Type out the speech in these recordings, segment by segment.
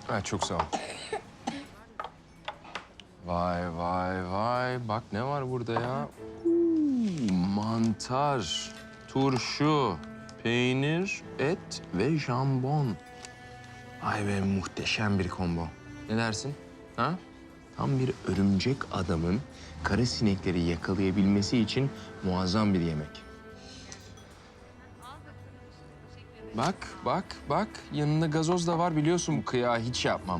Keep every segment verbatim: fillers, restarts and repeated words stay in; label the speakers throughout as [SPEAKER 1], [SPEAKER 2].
[SPEAKER 1] Ha, çok sağ ol. Vay vay vay. Bak ne var burada ya? Uuu, mantar, turşu, peynir, et ve jambon. Ay be, muhteşem bir combo. Ne dersin? Ha? Tam bir örümcek adamın kara sinekleri yakalayabilmesi için muazzam bir yemek. Bak, bak, bak. Yanında gazoz da var, biliyorsun bu kıyağı hiç yapmam.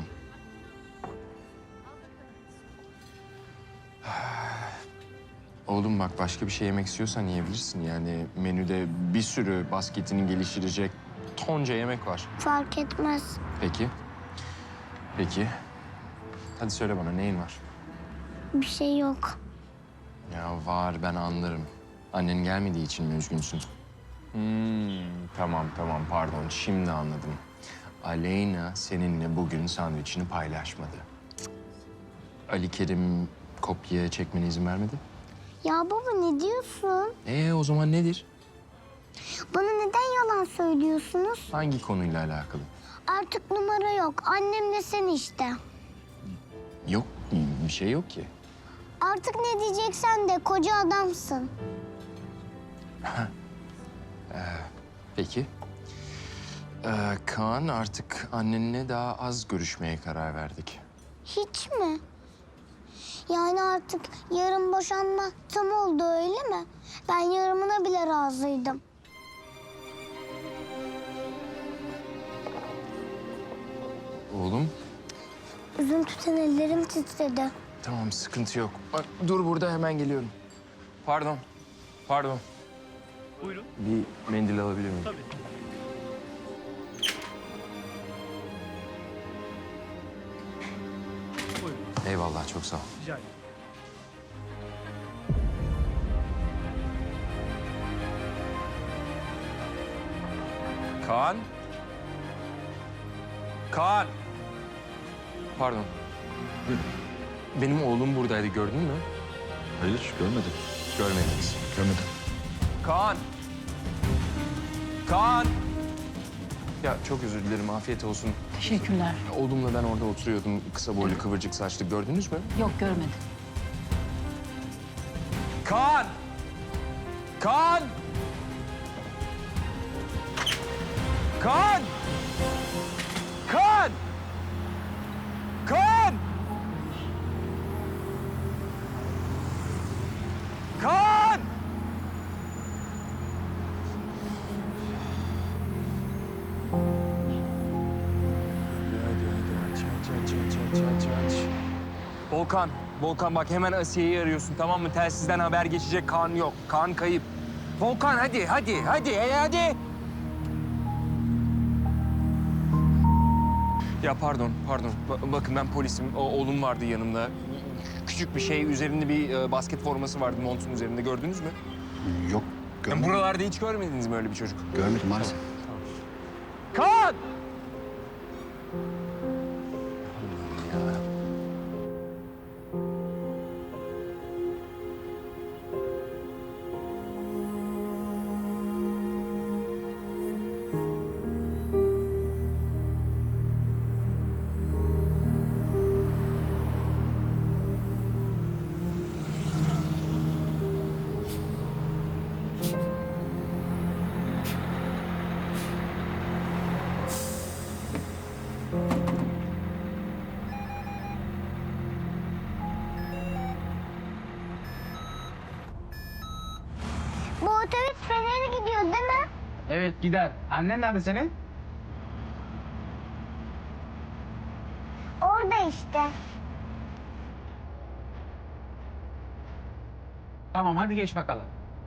[SPEAKER 1] Oğlum bak, başka bir şey yemek istiyorsan yiyebilirsin. Yani menüde bir sürü basketini geliştirecek tonca yemek var.
[SPEAKER 2] Fark etmez.
[SPEAKER 1] Peki. Peki. Hadi söyle bana, neyin var?
[SPEAKER 2] Bir şey yok.
[SPEAKER 1] Ya var, ben anlarım. Annen gelmediği için mi üzgünsün? Hmm, tamam tamam, pardon. Şimdi anladım. Aleyna seninle bugün sandviçini paylaşmadı. Ali Kerim kopya çekmene izin vermedi.
[SPEAKER 2] Ya baba ne diyorsun?
[SPEAKER 1] Ee o zaman nedir?
[SPEAKER 2] Bana neden yalan söylüyorsunuz?
[SPEAKER 1] Hangi konuyla alakalı?
[SPEAKER 2] Artık numara yok. Annemle sen işte.
[SPEAKER 1] Yok, bir şey yok ki.
[SPEAKER 2] Artık ne diyeceksen de koca adamsın.
[SPEAKER 1] Peki. Ee, Kaan, artık annenle daha az görüşmeye karar verdik.
[SPEAKER 2] Hiç mi? Yani artık yarın boşanma tam oldu öyle mi? Ben yarımına bile razıydım.
[SPEAKER 1] Oğlum,
[SPEAKER 2] Üzüntüden ellerim titredi.
[SPEAKER 1] tamam, sıkıntı yok. Bak, dur burada, hemen geliyorum. Pardon, pardon.
[SPEAKER 3] Buyurun.
[SPEAKER 1] Bir mendil alabilir miyim?
[SPEAKER 3] Tabii. Buyurun.
[SPEAKER 1] Eyvallah, çok sağ ol.
[SPEAKER 3] Rica ederim.
[SPEAKER 1] Kaan? Kaan! Pardon. Benim oğlum buradaydı, gördün mü?
[SPEAKER 4] Hayır, görmedim.
[SPEAKER 1] Görmediniz.
[SPEAKER 4] Görmedim.
[SPEAKER 1] Kaan! Kaan! Ya çok özür dilerim, afiyet olsun.
[SPEAKER 5] Teşekkürler.
[SPEAKER 1] Oğlumla ben orada oturuyordum, kısa boylu, kıvırcık saçlı. Gördünüz mü?
[SPEAKER 5] Yok görmedim.
[SPEAKER 1] Kaan! Kaan! Kaan! Kaan! Kaan! Kaan! Volkan, Volkan bak hemen Asiye'yi arıyorsun, tamam mı? Telsizden haber geçecek, Kaan yok. Kaan kayıp. Volkan hadi, hadi, hadi, e, hadi. Ya pardon, pardon. Ba- bakın ben polisim. O, oğlum vardı yanımda. Küçük bir şey, üzerinde bir e, basket forması vardı montun üzerinde. Gördünüz mü?
[SPEAKER 4] Yok,
[SPEAKER 1] Yani
[SPEAKER 4] görmedim.
[SPEAKER 1] buralarda hiç görmediniz mi öyle bir çocuk?
[SPEAKER 4] Görmedim maalesef.
[SPEAKER 1] Kaan!
[SPEAKER 2] Bu otobüs Fener'e gidiyor değil mi?
[SPEAKER 6] Evet gider. Annen nerede senin?
[SPEAKER 2] Orada işte.
[SPEAKER 6] Tamam hadi geç bakalım.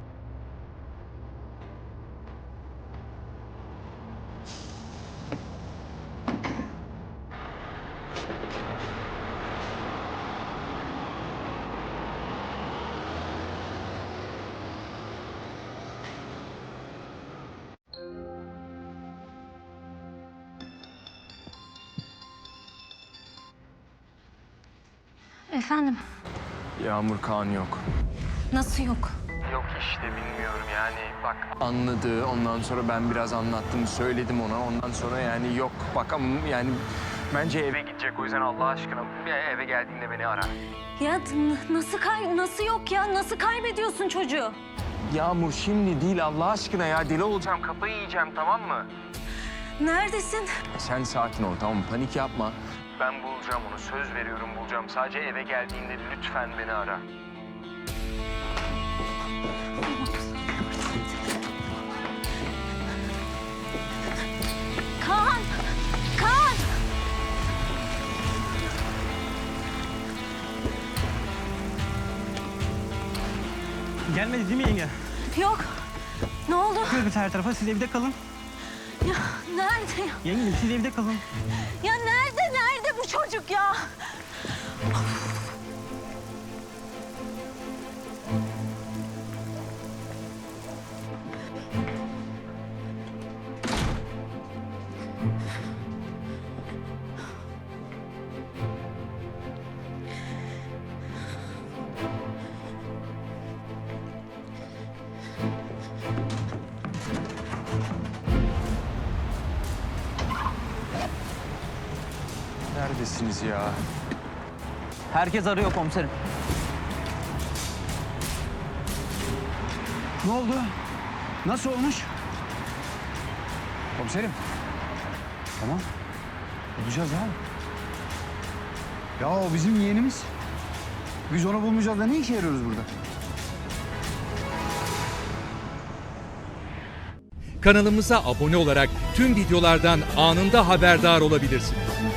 [SPEAKER 5] Efendim,
[SPEAKER 1] Yağmur, Kaan yok.
[SPEAKER 5] nasıl yok?
[SPEAKER 1] Yok işte, bilmiyorum yani. Bak anladı, ondan sonra ben biraz anlattım, söyledim ona. Ondan sonra yani yok. Bak ama yani Bence eve gidecek, o yüzden Allah aşkına bir eve geldiğinde beni ara.
[SPEAKER 5] Ya n- nasıl kay nasıl yok ya? Nasıl kaybediyorsun çocuğu?
[SPEAKER 1] Yağmur şimdi değil Allah aşkına ya, deli olacağım, kafayı yiyeceğim, tamam mı?
[SPEAKER 5] Neredesin?
[SPEAKER 1] Sen sakin ol, tamam mı? Panik yapma. Ben bulacağım onu, söz veriyorum bulacağım. Sadece eve geldiğinde lütfen beni ara.
[SPEAKER 5] Kaan! Kaan!
[SPEAKER 3] Gelmedi değil mi yenge?
[SPEAKER 5] Yok. Ne oldu?
[SPEAKER 3] Bakıyoruz her tarafa. Siz evde kalın.
[SPEAKER 5] Ya nerede ya?
[SPEAKER 3] Yengeciğim siz evde kalın.
[SPEAKER 5] Ya nerede nerede bu çocuk ya?
[SPEAKER 1] Neredesiniz ya?
[SPEAKER 3] Herkes arıyor komiserim.
[SPEAKER 6] Ne oldu? Nasıl olmuş? Komiserim. Tamam. Bulacağız abi. Ya o bizim yeğenimiz. Biz onu bulmayacağız da ne işe yarıyoruz burada?
[SPEAKER 7] Kanalımıza abone olarak tüm videolardan anında haberdar olabilirsiniz.